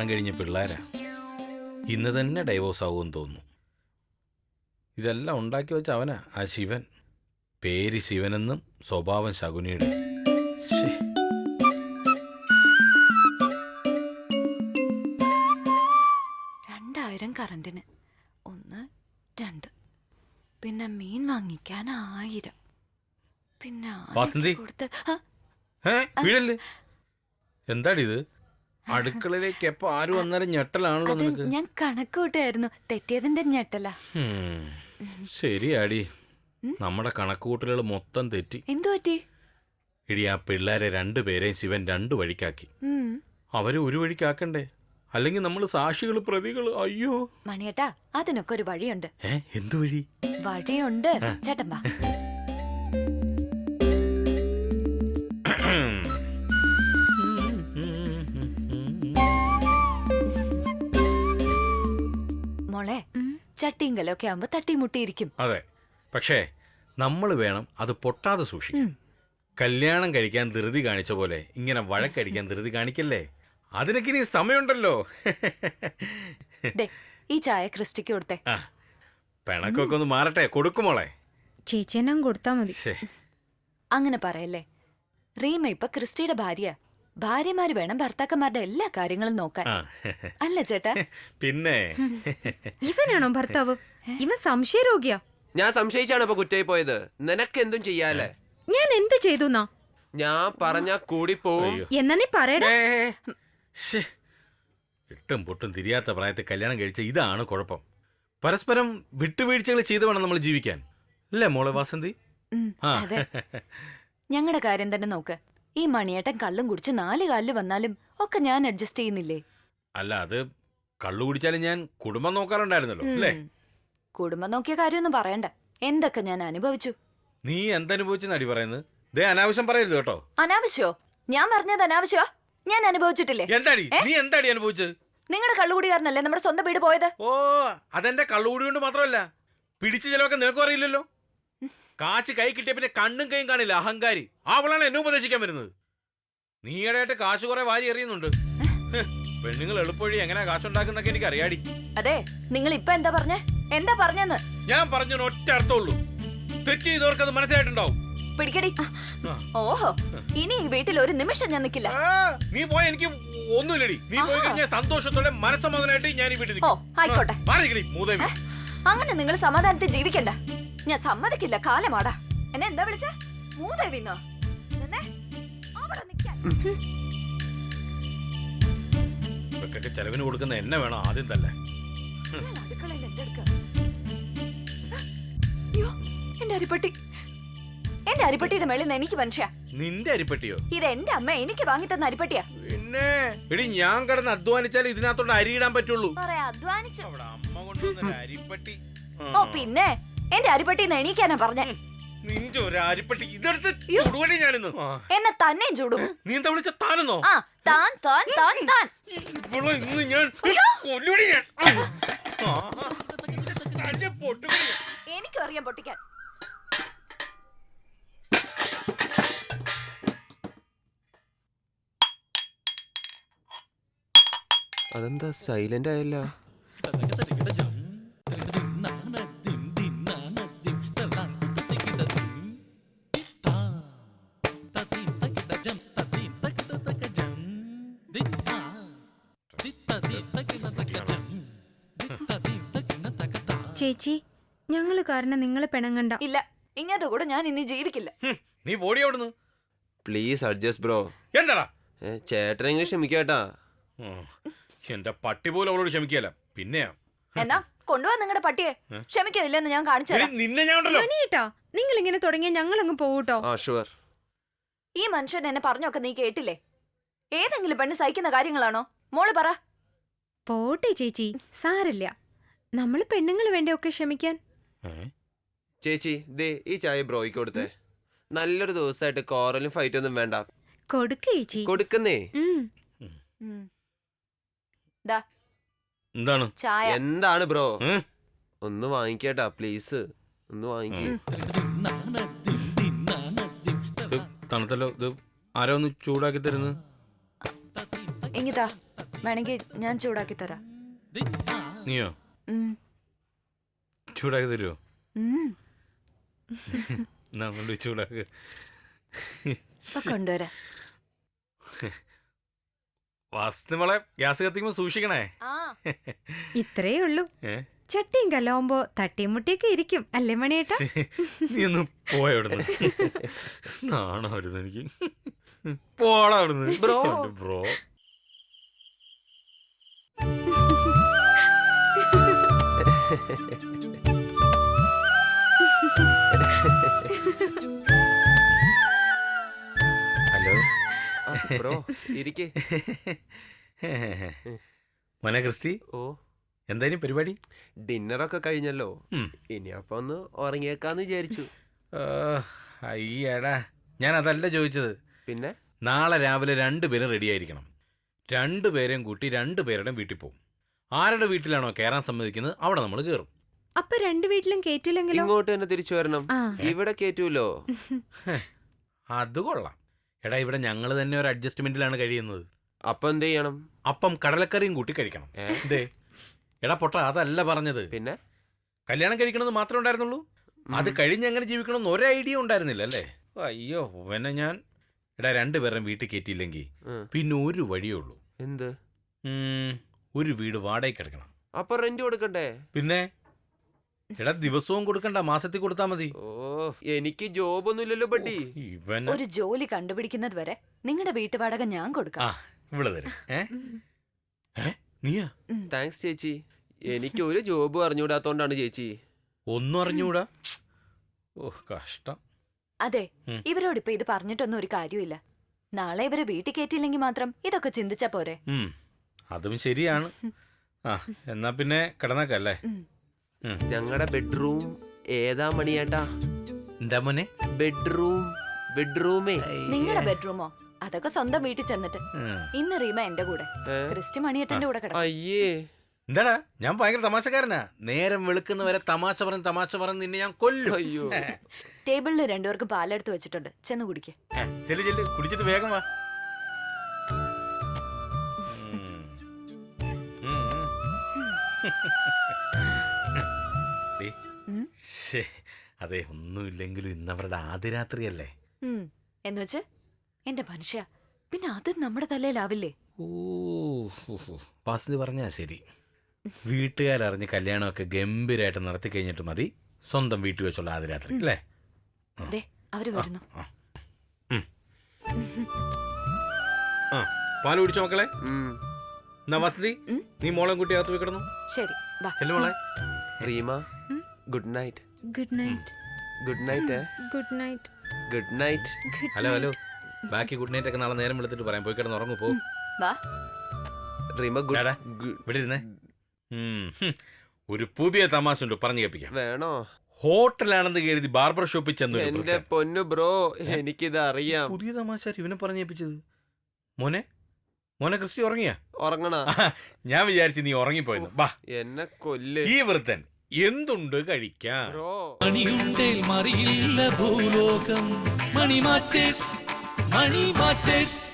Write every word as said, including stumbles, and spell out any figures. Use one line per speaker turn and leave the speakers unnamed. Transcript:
കല്യാണം കഴിഞ്ഞ പിള്ളേരാ. ഇന്ന് തന്നെ ഡൈവോഴ്സ് ആവുമെന്ന് തോന്നുന്നു. ഇതെല്ലാം ഉണ്ടാക്കി വെച്ച അവനാ ആ ശിവൻ. പേര് ശിവനെന്നും സ്വഭാവം ശകുനിയുടെ.
രണ്ടായിരം കറണ്ടിന് ഒന്ന് രണ്ട്, പിന്നെ മീൻ വാങ്ങിക്കാൻ ആയിരം, പിന്നെ കൊടുത്ത്
എന്താടിത്? അടുക്കളയിലേക്ക് എപ്പോ ആരും വന്നാലും ഞെട്ടലാണല്ലോ നിനക്ക്.
ഞാൻ കണക്ക് കൂട്ടായിരുന്നു, തെറ്റിയതിന്റെ ഞെട്ടല.
ശരിയാടി, നമ്മുടെ കണക്കുകൂട്ടലുകൾ മൊത്തം തെറ്റി.
എന്തു പറ്റി?
ഇടി, ആ പിള്ളേരെ രണ്ടുപേരെയും ശിവൻ രണ്ടു വഴിക്കാക്കി. അവരെ ഒരു വഴിക്കാക്കണ്ടേ? അല്ലെങ്കിൽ നമ്മൾ സാക്ഷികൾ, പ്രതികൾ. അയ്യോ
മണിയേട്ടാ, അതിനൊക്കെ ഒരു വഴിയുണ്ട്.
ഏ എന്തു വഴി?
വഴിയുണ്ട് ചേട്ടൻ വാ. മോളെ, ചട്ടിങ്കലൊക്കെ ആവുമ്പോ തട്ടിമുട്ടിയിരിക്കും.
അതെ, പക്ഷേ നമ്മൾ വേണം അത് പൊട്ടാതെ സൂക്ഷിക്കും. കല്യാണം കഴിക്കാൻ ധൃതി കാണിച്ച പോലെ ഇങ്ങനെ വഴക്കടിക്കാൻ ധൃതി കാണിക്കല്ലേ. അതിനൊക്കെ ഇനി സമയമുണ്ടല്ലോ.
ഈ ചായ ക്രിസ്റ്റിക്ക് കൊടുത്തേ.
പിണക്കൊക്കെ ഒന്ന് മാറട്ടെ, കൊടുക്കുമോളെ.
ചേച്ചിയെല്ലാം കൊടുത്താ മതി.
അങ്ങനെ പറയല്ലേ. റീമ ഇപ്പൊ ക്രിസ്റ്റിയുടെ ഭാര്യ. ഭാര്യമാര് വേണം ഭർത്താക്കന്മാരുടെ എല്ലാ കാര്യങ്ങളും നോക്കാൻ, അല്ല ചേട്ടാ?
പിന്നെ
ഇവനാണോ ഭർത്താവ്? ഇവൻ സംശയരോഗിയാ.
ഞാൻ സംശയിച്ചാണ് ഇപ്പൊ കുറ്റായി പോയത്. നിനക്ക് എന്തും ചെയ്യാലേ.
ഞാൻ എന്ത് ചെയ്തു?
ഞാൻ പറഞ്ഞ കൂടി പോവും.
എന്നാ നീ പറയടേ.
ഇട്ടും പൊട്ടും തിരിയാത്ത പ്രായത്തിൽ കല്യാണം കഴിച്ച ഇതാണ് കുഴപ്പം. പരസ്പരം വിട്ടുവീഴ്ചകൾ ചെയ്ത് വേണം നമ്മൾ ജീവിക്കാൻ, അല്ലേ മോളെ വാസന്തി?
ഞങ്ങളുടെ കാര്യം തന്നെ നോക്ക്. ഈ മണിയേട്ടൻ കള്ളും കുടിച്ച് നാല് കാലില് വന്നാലും ഒക്കെ ഞാൻ അഡ്ജസ്റ്റ് ചെയ്യുന്നില്ലേ?
അല്ല, അത് കള്ളു കുടിച്ചാലും ഞാൻ കുടുംബം നോക്കാറുണ്ടായിരുന്നല്ലോ, അല്ലേ?
കുടുംബം നോക്കിയ കാര്യമൊന്നും പറയണ്ട. എന്തൊക്കെ ഞാൻ അനുഭവിച്ചു.
നീ എന്തനുഭവിച്ചെന്നടി പറയുന്നത്? ദേ, അനാവശ്യം പറയരുത് കേട്ടോ.
അനാവശ്യോ? ഞാൻ പറഞ്ഞത് അനാവശ്യോ? ഞാൻ അനുഭവിച്ചിട്ടില്ലേ?
എന്താടി നീ എന്താടി അനുഭവിച്ചത്?
നിങ്ങളുടെ കള്ളുകൂടികാരനല്ലേ നമ്മുടെ സ്വന്തം വീട് പോയത്?
ഓ, അതെന്റെ കള്ളുകൂടി കൊണ്ട് മാത്രമല്ല, പിടിച്ചു ചിലവൊക്കെ നിനക്കും അറിയില്ലല്ലോ. കാശ് കൈ കിട്ടിയ പിന്നെ കണ്ണും കൈയും കാണില്ല, അഹങ്കാരി. അവളാണ് എന്നെ ഉപദേശിക്കാൻ വരുന്നത്. നീയായിട്ട് കാശ് കുറെ വാരി എറിയുന്നുണ്ട്. പെണ്ണുങ്ങൾ എളുപ്പവഴി എങ്ങനെയാ കാശുണ്ടാക്കുന്നൊക്കെ എനിക്ക് അറിയാടി.
അതെ, നിങ്ങൾ ഇപ്പൊ എന്താ പറഞ്ഞേ? എന്താ പറഞ്ഞെന്ന്?
ഞാൻ പറഞ്ഞ ഒറ്റ അർത്ഥമുള്ളൂ, തെറ്റ് ചെയ്തവർക്ക് അത് മനസ്സിലായിട്ടുണ്ടാവും.
പിടിക്കടി. ഓഹോ, ഇനി ഈ വീട്ടിൽ ഒരു നിമിഷം ഞാൻ നിൽക്കില്ല.
നീ പോയ എനിക്ക് ഒന്നുമില്ലടി. നീ പോയി കഴിഞ്ഞാൽ സന്തോഷത്തോടെ മനസ്സമാധാനമായിട്ട് ഞാൻ ഈ വീട്ടിൽ.
ഓ ആയിക്കോട്ടെ.
മൂദേവി,
അങ്ങനെ നിങ്ങൾ സമാധാനത്തിൽ ജീവിക്കണ്ട. ഞാൻ സമ്മതിക്കില്ല. കാലമാടാ. എന്നെ എന്താ വിളിച്ച? മൂദേവിന്നോ?
ചെലവിന് കൊടുക്കുന്ന എന്നെ വേണം ആദ്യം തന്നെ.
അടുക്കളയിൽ എന്തെടുക്ക? എന്റെ അരിപ്പട്ടി, എന്റെ അരിപ്പട്ടിയുടെ മേളിൽ നിന്ന് എനിക്ക് മനുഷ്യ.
നിന്റെ അരിപ്പട്ടിയോ?
ഇത് എന്റെ അമ്മ എനിക്ക് വാങ്ങി തന്ന അരിപ്പട്ടിയാ.
പിന്നെ എടി, ഞാൻ കിടന്ന് അധ്വാനിച്ചാൽ ഇതിനകത്തോണ്ട് അരി ഇടാൻ പറ്റുള്ളൂ.
അധ്വാനിച്ചു
അമ്മ കൊണ്ടുവന്ന അരിപ്പട്ടി.
ഓ പിന്നെ എന്റെ അരിപ്പട്ടിന്ന് എണീക്കാനാ പറഞ്ഞേ.
നിന്റെ ഒരു അരിപ്പട്ടി ഇതെടുത്ത് ചുടുവടി ഞാനിന്ന്.
എന്നെ തന്നെയും ചൂടും.
നീ എന്താ വിളിച്ച താനെന്നോ?
ആ താൻ താൻ താൻ താൻ.
ഇവളെ ഇന്ന് ഞാൻ കൊല്ലുവടി ഞാൻ.
എനിക്കും അറിയാം പൊട്ടിക്കാൻ.
അതെന്താ സൈലന്റ് ആയല്ലോ?
ചേച്ചി, ഞങ്ങള് കാരണം നിങ്ങളെ പിണങ്ങണ്ട.
ഇല്ല, ഇങ്ങോട്ട് കൂടെ ഞാൻ ഇനി ജീവിക്കില്ല.
നീ പോടി അവിടുന്ന്.
Please adjust bro.
എന്താടാ?
ചേട്ടനെങ്കിലും ക്ഷമിക്കാട്ടാ.
എന്റെ പട്ടി പോലും അവളോട് ക്ഷമിക്കല. പിന്നെയാ
എന്നാ കൊണ്ടുപോവാ നിങ്ങളുടെ പട്ടിയെ. ക്ഷമിക്കോ ഇല്ലെന്ന് ഞാൻ കാണിച്ചു തരാം.
നിന്നെ ഞാൻ
നിങ്ങൾ ഇങ്ങനെ തുടങ്ങിയ ഞങ്ങൾ അങ്ങ് പോകൂട്ടോ.
ഈ മനുഷ്യൻ എന്നെ പറഞ്ഞൊക്കെ നീ കേട്ടില്ലേ? ഏതെങ്കിലും പെണ്ണ് സഹിക്കുന്ന കാര്യങ്ങളാണോ? മോള് പറ.
പോട്ടെ ചേച്ചി, സാരില്ല. നമ്മള് പെണ്ണുങ്ങൾ വേണ്ടേ ഒക്കെ ക്ഷമിക്കാൻ.
ചേച്ചി ദേ ഈ ചായ ബ്രോയ്ക്ക് കൊടുത്തേ. നല്ലൊരു ദിവസമായിട്ട് കോറലും ഫൈറ്റ് ഒന്നും വേണ്ട.
കൊടുക്ക് ചേച്ചി.
കൊടുക്കുന്നേ.
എന്താണ്
ചായ?
എന്താണ് ബ്രോ? ഒന്ന് വാങ്ങിക്കേട്ടാ പ്ലീസ്, ഒന്ന് വാങ്ങിക്കേ.
തണുത്തല്ലോ, ഇത് ആരോ ഒന്ന് ചൂടാക്കി തരുന്നു.
എങ്ങിതാ വേണമെങ്കിൽ ഞാൻ ചൂടാക്കി തരാം.
നീയോ
ഉം.
ചൂടാക്കി തരുമോ?
ഉം.
നമ്മൾ ചൂടാക്ക്.
ഇപ്പൊ കൊണ്ടുവരാം.
വാസ്തു മോളെ ഗ്യാസ് കത്തിക്കുമ്പോ സൂക്ഷിക്കണേ.
ഇത്രേ ഉള്ളൂ.
ഏ
ചട്ടിയും കല്ലാവുമ്പോ തട്ടിയും മുട്ടിയൊക്കെ ഇരിക്കും അല്ലേ മണിയേട്ടാ?
നീ ഒന്ന് പോയ അവിടുന്ന്. നാണോ വരുന്നു എനിക്ക്. പോടാ അവിടുന്ന്.
ബ്രോ.
ബ്രോ ഹലോ
ബ്രോ ഇരിക്കേ.
മോനെ ക്രിസ്റ്റി,
ഓ
എന്തായാലും പരിപാടി?
ഡിന്നറൊക്കെ കഴിഞ്ഞല്ലോ.
ഉം.
ഇനി അപ്പൊ ഒന്ന് ഉറങ്ങിയേക്കാന്ന് വിചാരിച്ചു.
അയ്യടാ, ഞാൻ അതല്ല ചോദിച്ചത്.
പിന്നെ
നാളെ രാവിലെ രണ്ടുപേരും റെഡി ആയിരിക്കണം. രണ്ടുപേരെയും കൂട്ടി രണ്ടുപേരുടെയും വീട്ടിൽ പോകും. ആരുടെ വീട്ടിലാണോ കയറാൻ സമ്മതിക്കുന്നത് അവിടെ നമ്മൾ കയറും.
അപ്പൊ രണ്ടു വീട്ടിലും കേറ്റില്ലെങ്കിലോ?
ഇങ്ങോട്ട് തന്നെ തിരിച്ചു വരണം.
ആ.
ഇവിടെ കേറ്റൂലോ?
അത് കൊള്ളാം. എടാ, ഇവിടെ ഞങ്ങൾ തന്നെ ഒരു അഡ്ജസ്റ്റ്മെന്റിലാണ് കഴിയുന്നത്.
അപ്പൊ എന്ത് ചെയ്യണം?
അപ്പം കടലക്കറിയും കൂട്ടി കഴിക്കണം. ദേ എടാ പൊട്ട, അതല്ല പറഞ്ഞത്.
പിന്നെ
കല്യാണം കഴിക്കണമെന്ന് മാത്രമേ ഉണ്ടായിരുന്നുള്ളൂ. അത് കഴിഞ്ഞ് എങ്ങനെ ജീവിക്കണമെന്ന് ഒരു ഐഡിയ ഉണ്ടായിരുന്നില്ല അല്ലേ? അയ്യോ പിന്നെ ഞാൻ എടാ രണ്ടുപേരും വീട്ടിൽ കയറ്റിയില്ലെങ്കിൽ പിന്നെ ഒരു വഴിയേ ഉള്ളൂ.
എന്ത്?
ഉം, ഒരു വീട് വാടകയ്ക്ക് എടുക്കണം.
അപ്പൊ റെന്റ് കൊടുക്കണ്ടേ?
പിന്നെ എടാ ദിവസവും കൊടുക്കണ്ട, മാസത്തിൽ കൊടുത്താൽ മതി.
ഓ എനിക്ക് ജോബൊന്നും ഇല്ലല്ലോ ബഡ്ഡി.
ഇവൻ
ഒരു ജോലി കണ്ടുപിടിക്കുന്നത് വരെ നിങ്ങളുടെ വീട്ടുവാടക ഞാൻ
ആ
കൊടുക്കാം.
ഇവിടെ തരും. ഏ ഏ നീയാ?
താങ്ക്സ് ചേച്ചി. എനിക്ക് ഒരു ജോബ് അറിഞ്ഞൂടാത്തോണ്ടാണ് ചേച്ചി.
ഒന്നും അറിഞ്ഞൂടാ. ഓ കഷ്ടം.
അതെ,
ഉം.
ഇവരോടിപ്പോ ഇത് പറഞ്ഞിട്ടൊന്നും ഒരു കാര്യമില്ല. നാളെ ഇവരെ വീട്ടിൽ കയറ്റിയില്ലെങ്കിൽ മാത്രം ഇതൊക്കെ ചിന്തിച്ചാ പോരെ.
ഉം, അതും ശരിയാണ്. ആ എന്നാ പിന്നെ കിടന്നേക്കല്ലേ.
ഉം.
ഞങ്ങളുടെ ബെഡ്റൂം ഏതാ മണിയേട്ടാ?
എന്താ മോനെ?
ബെഡ്റൂം ബെഡ്റൂമേ.
നിങ്ങളുടെ ബെഡ്റൂമോ? അതൊക്കെ സ്വന്തം വീട്ടിൽ ചെന്നിട്ട്.
ഉം.
ഇന്ന് റീമ എന്റെ കൂടെ,
ഏ?
ക്രിസ്റ്റി മണിയേട്ടന്റെ കൂടെ കിടക്കും.
അയ്യേ.
എന്താടാ, ഞാൻ ഭയങ്കര തമാശക്കാരനാ. നേരം വെളുക്കുന്നവരെ തമാശ പറഞ്ഞ് തമാശ പറഞ്ഞ് നിന്നെ ഞാൻ കൊല്ലും.
അയ്യോ.
ടേബിളിൽ രണ്ടുപേർക്കും പാലെടുത്ത് വെച്ചിട്ടുണ്ട്, ചെന്ന് കുടിക്കേ.
ഏ, ചെല്ല് ചെല്ല്, കുടിച്ചിട്ട് വേഗം വാ. ഉം. ഉം, ഉം. ഡേ,
ഉം?
ശ്ശേ, അതെ ഒന്നുമില്ലെങ്കിലും ഇന്നവരുടെ ആദ്യ രാത്രിയല്ലേ.
എന്നുവെച്ച് എന്റെ മനുഷ്യ, പിന്നെ അത് നമ്മുടെ തലയിലാവില്ലേ?
ഓ വാസന്തി പറഞ്ഞാ ശരി. വീട്ടുകാരറിഞ്ഞ് കല്യാണമൊക്കെ ഗംഭീരമായിട്ട് നടത്തി കഴിഞ്ഞിട്ട് മതി സ്വന്തം വീട്ടിൽ വെച്ചുള്ള ആദ്യ രാത്രി അല്ലേ?
ദേ അവര് വരുന്നു.
ആ പാല് കുടിച്ചോ മക്കളെ?
ഉം.
എന്നാ വസതി, നീ മോളെ കുട്ടി അകത്ത് പോയി കിടന്നു.
ശരി വാ.
ചെല്ലു മോളെ.
Reema good night.
Good night.
Good night.
Good night.
Good night.
Hello hello, ബാക്കി ഗുഡ് നൈറ്റ് ഒക്കെ നാളെ നേരം വെളുത്തിട്ട് പറയാം. പോയി കിടന്ന് ഉറങ്ങു പോ.
വാ.
റീമ ഗുഡ്.
ഡാടാ, ഇവിടെ ഇരുന്നേ. ഉം, ഹും. ഒരു പുതിയ തമാശ ഉണ്ട്, പറഞ്ഞു കേൾപ്പിക്കാം.
വേണോ?
ഹോട്ടലാണെന്ന് കരുതി ബാർബർ ഷോപ്പിൽ ചെന്നു.
എന്റെ പൊന്നു ബ്രോ, എനിക്കിത് അറിയാം.
പുതിയ തമാശ ഇവനെ പറഞ്ഞേപ്പിച്ചത്. മോനെ മോനെ ക്രിസ്റ്റി ഉറങ്ങിയാ?
ഉറങ്ങണ.
ഞാൻ വിചാരിച്ചു നീ ഉറങ്ങിപ്പോയെന്ന്. ബാ,
എന്നെ കൊല്ല്
ഈ വൃത്തൻ എന്തുണ്ട് കഴിക്കാൻ?
ബ്രോ.
മണിയുണ്ടേൽ മറിയില്ല ഭൂലോകം. Money matters money matters